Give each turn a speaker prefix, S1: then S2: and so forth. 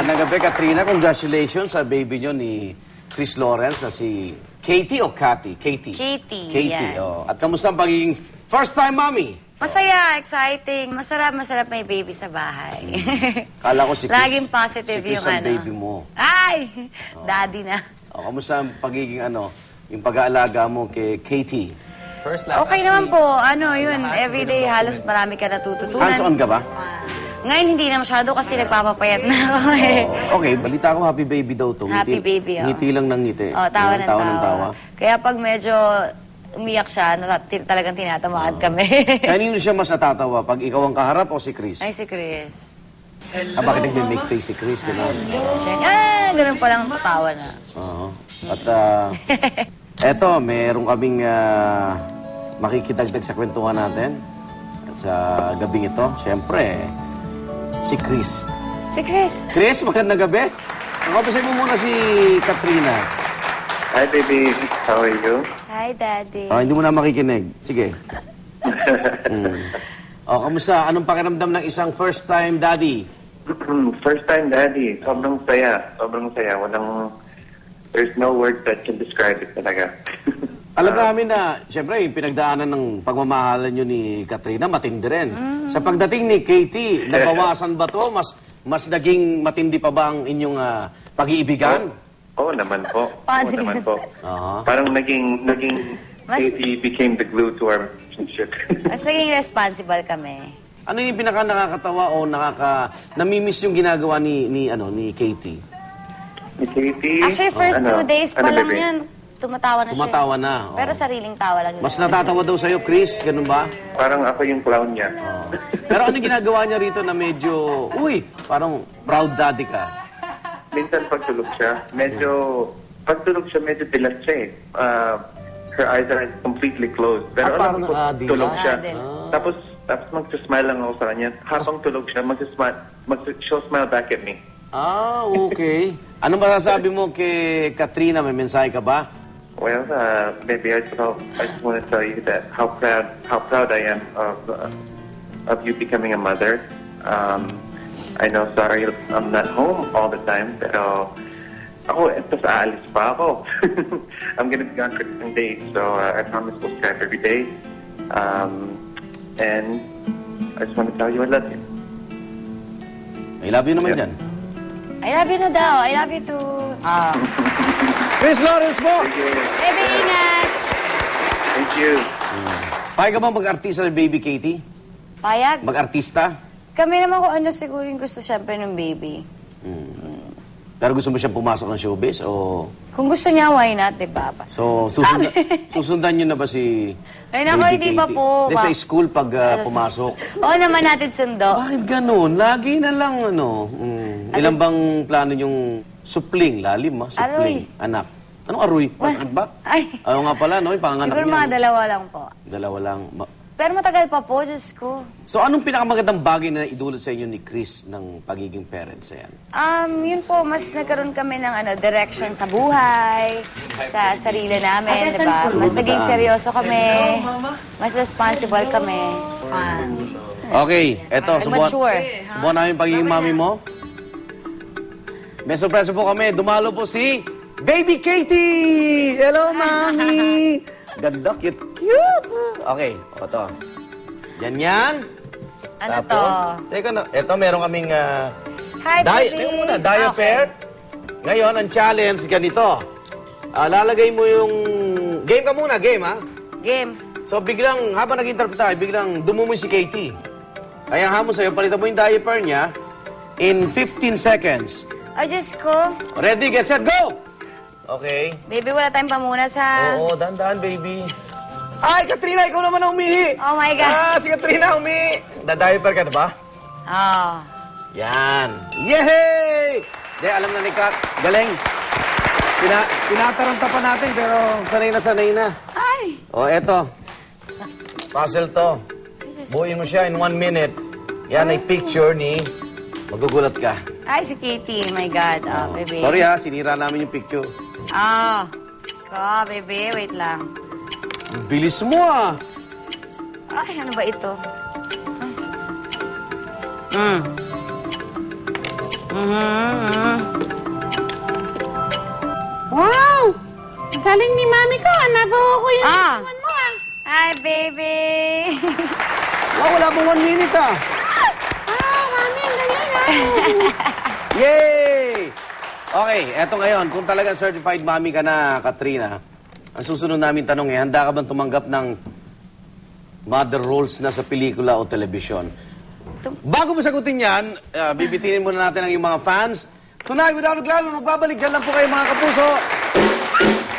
S1: Magandang gabi, Katrina. Congratulations sa baby nyo ni Chris Lawrence na si Katie o Cathy? Katie.
S2: Katie, yan.
S1: Oh. At kamusta ang pagiging first-time mommy?
S2: Masaya, exciting. Masarap may baby sa bahay.
S1: Kala ko si Chris.
S2: Laging positive
S1: si Chris
S2: yung
S1: ang baby mo.
S2: Ay! Daddy na.
S1: Oh, kamusta ang pagiging yung pag-aalaga mo kay Katie?
S2: Okay naman po. Everyday halos marami ka natututunan.
S1: Hands-on ka ba?
S2: Ngayon hindi na masyado kasi nagpapapayat na ako eh.
S1: Okay, balita ko happy baby daw to.
S2: Happy baby, oh.
S1: Ngiti lang ng ngiti.
S2: Tawa ng
S1: tawa.
S2: tawa. Kaya pag medyo umiyak siya, talagang tinatamaan kami.
S1: Kanino siya mas natatawa? Pag ikaw ang kaharap o si Chris?
S2: Ay, si Chris.
S1: Bakit nagme-make face si Chris?
S2: Ganun pa lang tatawa na.
S1: Oo. At eto, meron kaming makikidagdag sa kwentuhan natin sa gabing ito. Siyempre, si Chris.
S2: Si Chris.
S1: Chris, magandang gabi. Nakapisay mo muna si Katrina.
S3: Hi, baby. How are you?
S2: Hi, Daddy.
S1: Hindi mo na makikinig. Sige. Kamusta? Anong pakiramdam ng isang first-time daddy?
S3: First-time daddy. Sobrang saya. Sobrang saya. There's no word that can describe it talaga.
S1: Alam namin na, siyempre, yung pinagdaanan ng pagmamahalan nyo ni Katrina, matindi rin. Sa pagdating ni Katie, nabawasan ba to? Mas naging matindi pa ba ang inyong pag-iibigan?
S3: Oo naman po.
S2: Paano
S3: Oo naman po.
S1: Aha.
S3: Parang naging Katie became the glue to our relationship.
S2: Mas naging responsible kami.
S1: Ano yung pinaka nakakatawa o namimiss yung ginagawa ni Katie?
S3: Ni Katie?
S2: Actually, first 2 days pa lang
S3: baby?
S2: yan. Tumatawa na siya.
S1: Tumatawa na. Oo.
S2: Pero sariling tawa lang yun.
S1: Mas natatawa daw sa'yo, Chris? Ganun ba?
S3: Parang ako yung clown niya.
S1: Pero ano ginagawa niya rito na medyo, parang proud daddy ka?
S3: Minsan pagtulog siya, medyo dilat siya eh. Her eyes are completely closed. Pero
S1: parang
S3: alam ko,
S1: dilat?
S3: tulog siya.
S2: Dilat.
S3: Tapos magsasmile lang ako sa kanya. Habang tulog siya, she'll smile back at me.
S1: Okay. Anong masasabi mo kay Katrina? May mensahe ka ba?
S3: Well, maybe I just want to tell you that how proud I am of you becoming a mother. I know, sorry, I'm not home all the time, pero aalis pa ako. I'm gonna be gone for some days, so I promise we'll Skype every day. And I just want to tell you I love you.
S1: I love you naman dyan.
S2: I love you na daw. I love you too.
S1: Chris Lawrence mo!
S2: Baby, ingat!
S3: Thank you.
S1: Payag ka bang mag-artista ng baby Katie?
S2: Payag?
S1: Mag-artista?
S2: Kami naman kung ano siguro yung gusto siyempre ng baby.
S1: Pero gusto mo siyang pumasok ng showbiz o...
S2: Kung gusto niya, why not, diba?
S1: So, susundan niyo na ba si
S2: Ay, naku,
S1: baby
S2: hindi
S1: Katie?
S2: pa po.
S1: Hindi, sa school pag pumasok.
S2: Oo naman natin sundo.
S1: Bakit ganun? Lagi na lang, Ilan bang plano yung supling? Lalim, supling.
S2: Aroy.
S1: Anak. Anong aroy? Masakit ba?
S2: Ay.
S1: Ayaw nga pala, no? Yung panganak
S2: Siguro
S1: niya.
S2: mga dalawa lang po.
S1: Dalawa lang.
S2: Pero matagal pa po, Diyos ko.
S1: So, anong pinakamagandang bagay na idulot sa inyo ni Chris ng pagiging parents? Ayan.
S2: Yun po, mas nagkaroon kami ng direction sa buhay, sa sarili namin, diba? Mas naging seryoso kami, mas responsible kami. Fun.
S1: Okay, eto.
S2: Mature.
S1: Subukan namin pagiging mami mo. May surpresa po kami. Dumalo po si Baby Katie! Hello, Mami! Ganda, cute. Okay, ito. Yan.
S2: Ano
S1: Tapos,
S2: to?
S1: Teka na, ito meron kaming
S2: Hi, baby!
S1: teka muna, diaper. Ngayon, ang challenge ganito. Lalagay mo yung... Game ka muna, game ha?
S2: Game.
S1: So biglang, habang nag-interpret tayo, biglang dumumoy si Katie. Kaya hamon sa'yo, palitan mo yung diaper niya in 15 seconds.
S2: Ay, Diyos ko.
S1: Ready, get set, go! Okay.
S2: Baby, wala tayong pamunas, ha?
S1: Oo, dahan-dahan, baby. Ay, Katrina, ikaw naman ang umihi.
S2: Oh my God.
S1: Si Katrina umihi. Da-diaper ka na ba?
S2: Oh.
S1: Yan. Yehey! Hindi, alam na ni Kat. Galing. Pinataranta pa natin, pero sanay na.
S2: Ay!
S1: O, eto. Puzzle to. Buuin mo siya in 1 minute. Yan ay picture ni... Magugulat ka.
S2: Ay, si Katie. My God. Oh, baby.
S1: Sorry ha, sinira namin yung picture.
S2: Oh. Ko, baby. Wait lang.
S1: Ang bilis mo ah.
S2: Ay, ano ba ito?
S4: galing ni mami ko. Nabuho ko yung
S2: Ah.
S4: iwan mo ah.
S2: Hi, baby!
S1: Oh, wala pong 1 minute ah.
S4: Mami, ang galing ah.
S1: Yay! Okay, eto ngayon. Kung talagang certified mommy ka na, Katrina, ang susunod namin tanong handa ka bang tumanggap ng mother roles na sa pelikula o telebisyon? Bago mo sagutin yan, bibitinin muna natin ang iyong mga fans. Tonight, without a glamour, magbabalik dyan lang po kayo mga kapuso.